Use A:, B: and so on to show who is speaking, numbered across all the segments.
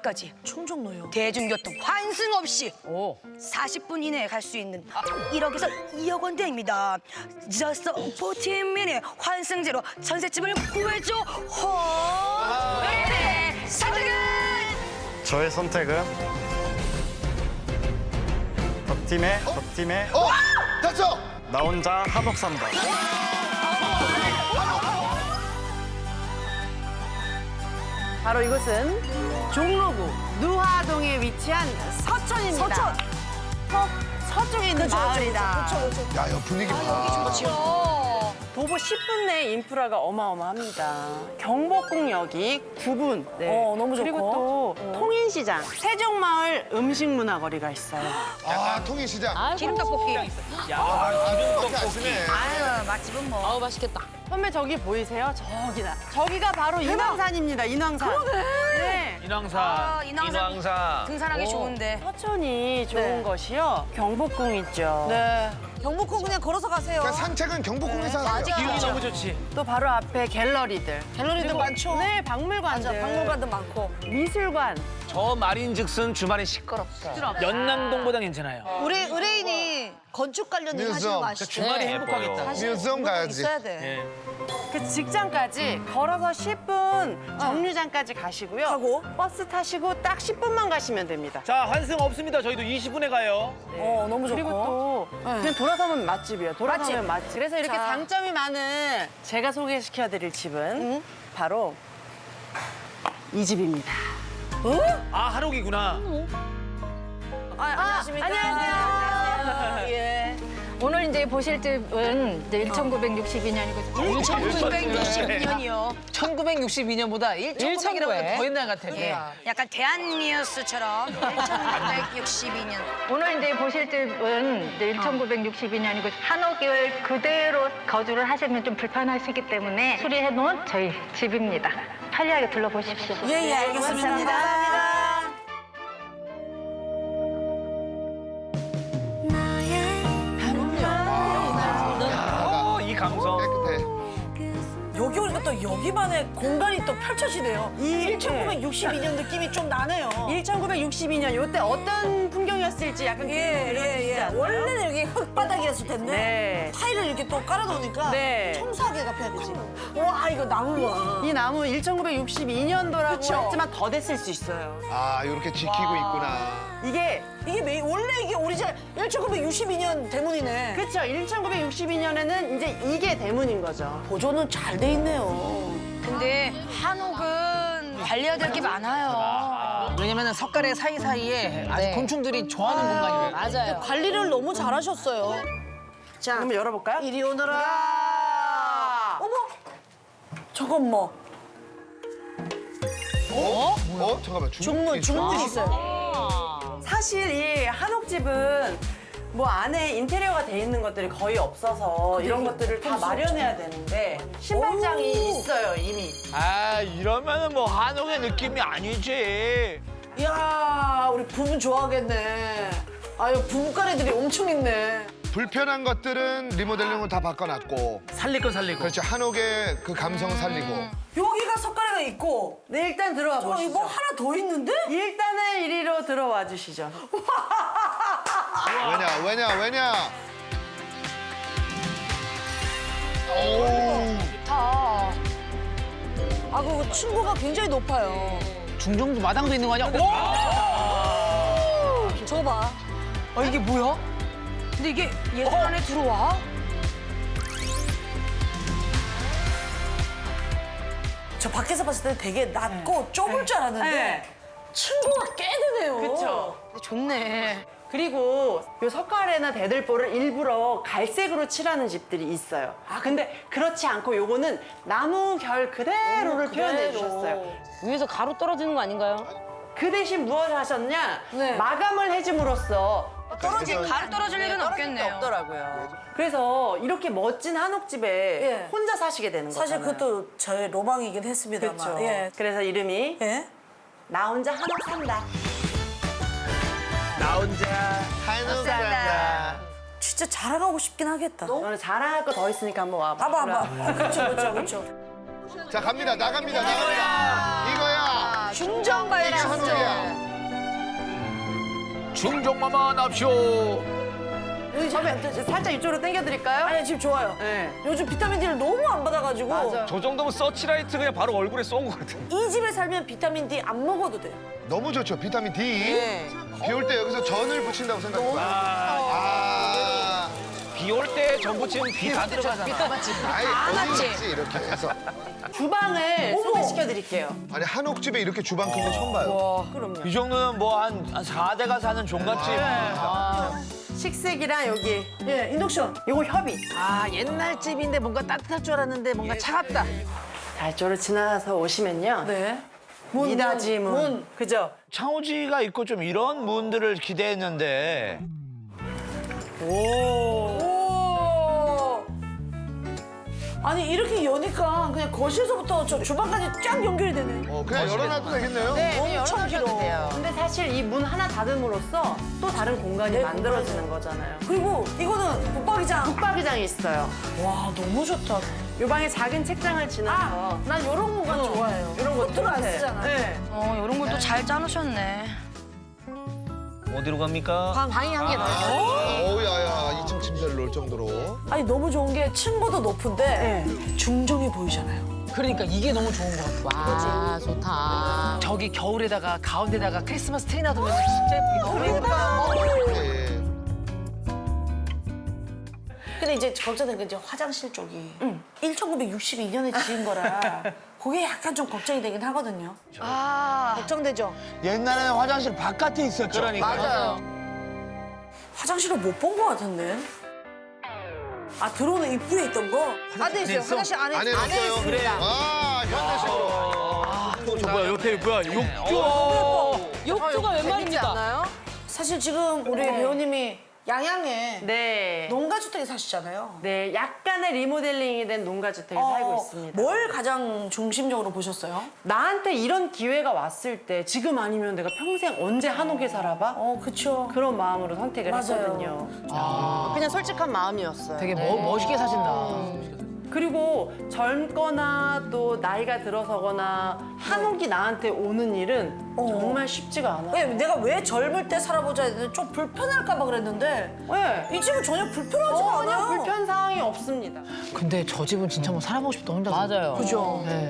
A: 충정로역까지
B: 충정로요.
A: 대중교통 환승 없이 40분 이내에 갈 수 있는 1억에서 2억 원대입니다. Just 14minute 환승제로 전셋집을 구해줘. 네, 선택은
C: 저의 선택은 덕팀의
D: 됐어.
C: 나 혼자 한옥 산다.
E: 바로 이곳은 종로구 누화동에 위치한 서천입니다.
B: 서천.
E: 서쪽에 있는 마을이다.
D: 야, 여 분위기 봐.
E: 도보 10분 내 인프라가 어마어마합니다. 경복궁역이 9분.
B: 너무 좋고.
E: 그리고 또 통인시장, 세종마을 음식문화거리가 있어요.
D: 아, 통일시장.
A: 기름떡볶이.
D: 기름떡볶이 아침에.
A: 아유, 맛집은 뭐.
F: 아우 맛있겠다.
E: 선배 저기 보이세요? 저기가 바로 인왕산입니다. 인왕산. 네.
G: 인왕산.
A: 인왕산. 등산하기 좋은데.
E: 서천이 좋은 것이요. 경복궁 있죠.
B: 네. 경복궁 그냥 걸어서 가세요.
D: 그러니까 산책은 경복궁에서 하세요.
G: 기운이 너무 좋지.
E: 또 바로 앞에 갤러리들.
B: 갤러리도 많죠.
E: 네, 박물관들.
B: 맞아, 박물관도 많고.
E: 미술관.
G: 저 말인즉슨 주말에 시끄럽다. 연남동보다 괜찮아요.
B: 우리 의뢰인이 건축 관련 일 하시는 거
D: 뮤지엄.
B: 아시죠?
G: 주말이
B: 네.
G: 행복하겠다.
B: 사실
D: 뮤지엄 가야지.
B: 있어야 돼.
G: 예.
E: 그 직장까지 걸어서 10분 정류장까지 가시고요.
B: 하고?
E: 버스 타시고 딱 10분만 가시면 됩니다.
G: 자, 환승 없습니다. 저희도 20분에 가요.
B: 너무 좋고.
E: 그리고 또 그냥 돌아서면 맛집이에요. 돌아서면 맛집. 그래서 이렇게
B: 자.
E: 장점이 많은 제가 소개시켜드릴 집은 바로 이 집입니다.
G: 아, 한옥이구나.
B: 안녕하십니까.
E: 안녕하세요.
B: 예.
F: 오늘 이제 보실 집은 이제 1962년이거든요.
A: 1962년이요.
F: 1962년보다 1900이라고 더 옛날 같아.
A: 예. 약간 대한뉴스처럼 1962년.
F: 오늘 이제 보실 집은 이제 1962년이고 한옥을 그대로 거주를 하시면 좀 불편하시기 때문에 수리해 놓은 저희 집입니다. 편리하게 둘러보십시오.
B: 예, 알겠습니다. 감사합니다.
G: 이 감성.
D: 깨끗해.
B: 여기 오니까 또 여기만의 공간이 또 펼쳐지네요.
E: 이
B: 1962년 느낌이 좀 나네요.
E: 1962년 이때 어떤 풍경이었을지 약간
B: 예. 원래는 여기 흙바닥이었을 텐데
E: 네.
B: 타일을 이렇게 또 깔아놓으니까
E: 네.
B: 청소하기가 편하지. 와, 이거 나무 봐.
E: 이 나무 1962년도라고
B: 그쵸?
E: 했지만 더 됐을 수 있어요.
D: 아, 이렇게 지키고 있구나.
E: 이게
B: 원래 이게 오리지널 1962년 대문이네.
E: 그렇죠. 1962년에는 이제 이게 대문인 거죠.
B: 보존은 잘 돼 있네요.
A: 근데 한옥은 관리해야 될 게 많아요.
F: 왜냐면 석가래 사이사이에 아주 곤충들이 좋아하는 공간이에요. 맞아요.
B: 관리를 너무 잘하셨어요. 자,
E: 한번 열어볼까요?
B: 이리 오너라. 어머, 저건 뭐?
D: 잠깐만.
B: 중문 있어요.
E: 사실 이 한옥집은 뭐 안에 인테리어가 돼 있는 것들이 거의 없어서 이런 것들을 다 마련해야 되는데 신발장이 있어요 이미.
G: 아, 이러면은 뭐 한옥의 느낌이 아니지.
B: 이야, 우리 부부 좋아하겠네. 아유, 부부간애들이 엄청 있네.
D: 불편한 것들은 리모델링으로 다 바꿔놨고.
G: 살릴 건 살리고.
D: 그렇지, 한옥의 그 감성 살리고.
B: 여기가 석가래가 있고,
E: 네 일단 들어와
B: 저
E: 보시죠.
B: 이거 하나 더 있는데?
E: 일단은 이리로 들어와 주시죠.
D: 왜냐? 오.
B: 아, 그 층고가 굉장히 높아요.
F: 중정도 마당도 있는 거 아니야?
B: 저거 봐.
A: 이게 뭐야? 근데 이게 예술 안에 들어와?
B: 저 밖에서 봤을 때 되게 낮고 좁을 줄 알았는데
E: 네.
B: 층고가 꽤 되네요.
E: 그렇죠.
A: 좋네.
E: 그리고 요 석가래나 대들보를 일부러 갈색으로 칠하는 집들이 있어요. 아 근데 그렇지 않고 요거는 나무 결 그대로를 표현해 주셨어요.
F: 위에서 가루 떨어지는 거 아닌가요?
E: 그 대신 무엇을 하셨냐?
B: 네.
E: 마감을 해줌으로써
A: 가루 떨어질 일은 없겠네요.
E: 없더라고요. 그래서 이렇게 멋진 한옥집에
B: 예.
E: 혼자 사시게 되는 거잖아요.
B: 사실 그것도 저의 로망이긴 했습니다만.
E: 그렇죠.
B: 예.
E: 그래서 이름이
B: 예?
E: 나 혼자 한옥 산다.
G: 나 혼자.
D: 한옥 산다.
B: 진짜 자라가고 싶긴 하겠다.
E: 너는 자랑할 거 더 있으니까 한번 와봐.
B: 봐봐. 그렇죠.
D: 자, 갑니다. 나갑니다. 이거야.
B: 중정 가야지, 중정.
G: 중종마만 합쇼.
E: 살짝 이쪽으로 당겨드릴까요?
B: 아니, 지금 좋아요.
E: 네.
B: 요즘 비타민 D를 너무 안 받아가지고.
E: 맞아.
G: 저 정도면 서치라이트 그냥 바로 얼굴에 쏜 것 같아.
B: 이 집에 살면 비타민 D 안 먹어도 돼요.
D: 너무 좋죠. 비타민 D.
E: 네.
D: 비 올 때 여기서 전을 붙인다고 생각해요. 아,
G: 비 올 때 전 부치면 비 다 들어가잖아.
D: 아이, 어디 있지 이렇게 해서.
E: 주방을 소개시켜드릴게요.
D: 아니 한옥집에 이렇게 주방 큰 거 처음 봐요.
E: 그럼요.
G: 이 정도면 뭐 한 4대가 사는 종갓집.
E: 식색이랑 여기
B: 예, 인덕션.
E: 요거 협의.
H: 아 옛날 집인데 뭔가 따뜻할 줄 알았는데 뭔가 차갑다.
E: 달조를 지나서 오시면요.
B: 네.
E: 미닫이 문. 그죠?
G: 창호지가 있고 좀 이런 문들을 기대했는데.
B: 오. 아니, 이렇게 여니까 그냥 거실에서부터 저 주방까지 쫙 연결이 되네.
D: 그냥 열어놔도 되겠네요.
B: 엄청 길어.
E: 근데 사실 이 문 하나 닫음으로써 또 다른 공간이 만들어지는 거잖아요.
B: 그리고 이거는 붙박이장.
E: 붙박이장이 있어요.
B: 와, 너무 좋다.
E: 요 방에 작은 책장을 지나서
B: 난 이런 공간 좋아해요.
E: 이런 거
B: 코트를 안
E: 똑같아.
B: 쓰잖아.
E: 네.
A: 이런 걸 또 잘 짜놓으셨네.
G: 어디로 갑니까?
H: 방이 한 개 더.
D: 어우 야야 2층 침대를 놓을 정도로.
B: 아니, 너무 좋은 게 층고도 높은데 중정이 보이잖아요.
H: 그러니까 이게 너무 좋은 것 같아. 와 좋다. 저기 겨울에다가 가운데다가 크리스마스 트리 놔두면 진짜 예쁘게 나오겠다.
D: 예.
B: 근데 이제 걱정되는 게 이제 화장실 쪽이 1962년에 지은 거라 그게 약간 좀 걱정이 되긴 하거든요. 걱정되죠?
G: 옛날에는 화장실 바깥에 있었죠. 그러니까.
H: 맞아요.
B: 화장실을 못 본 거 같은데. 아, 들어오는 입구에 있던 거? 안에 있어요. 화장실 안에
D: 안에 있어요. 그래. 아 현대식으로.
G: 저 뭐야 옆에 뭐야 욕조.
H: 욕조가 웬 말입니까?
E: 않아요?
B: 사실 지금 우리 배우님이 양양에
E: 네.
B: 농가주택에 사시잖아요.
E: 네, 약간의 리모델링이 된 농가주택에 살고 있습니다.
B: 뭘 가장 중심적으로 보셨어요?
E: 나한테 이런 기회가 왔을 때 지금 아니면 내가 평생 언제 한옥에 살아봐?
B: 그쵸.
E: 그런 마음으로 선택을
B: 맞아요.
E: 했거든요. 그냥 솔직한 마음이었어요.
H: 되게 멋있게 사신다.
E: 그리고 젊거나 또 나이가 들어서거나 한옥이 나한테 오는 일은 정말 쉽지가 않아요.
B: 왜, 내가 왜 젊을 때 살아보자 했는데 좀 불편할까 봐 그랬는데
E: 네.
B: 이 집은 전혀 불편하지가
E: 전혀
B: 않아요.
E: 불편 사항이 없습니다.
H: 근데 저 집은 진짜 뭐 살아보고 싶다 혼자. 맞아요.
B: 그죠.
H: 네.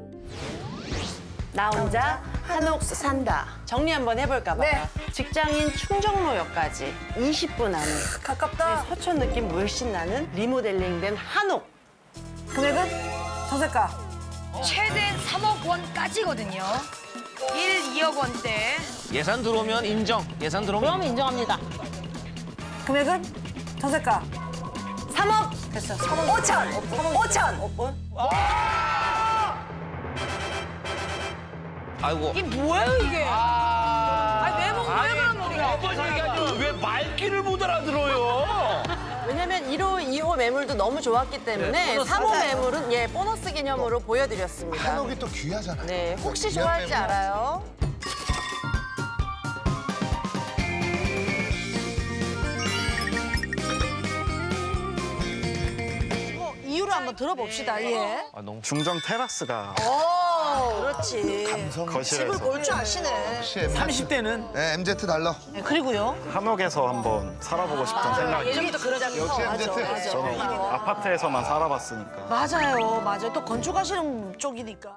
E: 나 혼자 한옥 산다. 정리 한번 해볼까 봐요.
B: 네.
E: 직장인 충정로역까지 20분 안에
B: 가깝다.
E: 서촌 느낌 물씬 나는 리모델링된 한옥.
B: 금액은? 전세가.
A: 최대 3억 원까지거든요. 1, 2억 원대.
G: 예산 들어오면 인정. 예산 들어오면
H: 그럼 인정합니다.
B: 금액은? 전세가. 3억. 됐어. 3억. 5천. 5천.
G: 아이고.
A: 이게 뭐예요, 이게? 아니, 왜 그런 우리가?
G: 한번 얘기하지 왜 말귀를 못 알아들어요?
E: 왜냐면 1호, 2호 매물도 너무 좋았기 때문에 3호 매물은 보너스 개념으로 보여드렸습니다.
D: 한옥이 또 귀하잖아요.
E: 네, 혹시
D: 귀한
E: 좋아할지
D: 매물.
E: 알아요?
B: 이유를 한번 들어봅시다. 예.
G: 아, 너무
C: 중정 테라스가
B: 그렇지.
D: 감성.
C: 거실에서
B: 집을 볼 줄 아시네.
D: 역시 MZ.
G: 30대는
D: 네 MZ 달러.
B: 네, 그리고요.
C: 한옥에서 한번 살아보고 싶은 생각이.
B: 예전부터 그러잖아요.
D: 역시 MZ.
C: 저는 아파트에서만 살아봤으니까.
B: 맞아요. 또 건축하시는 쪽이니까.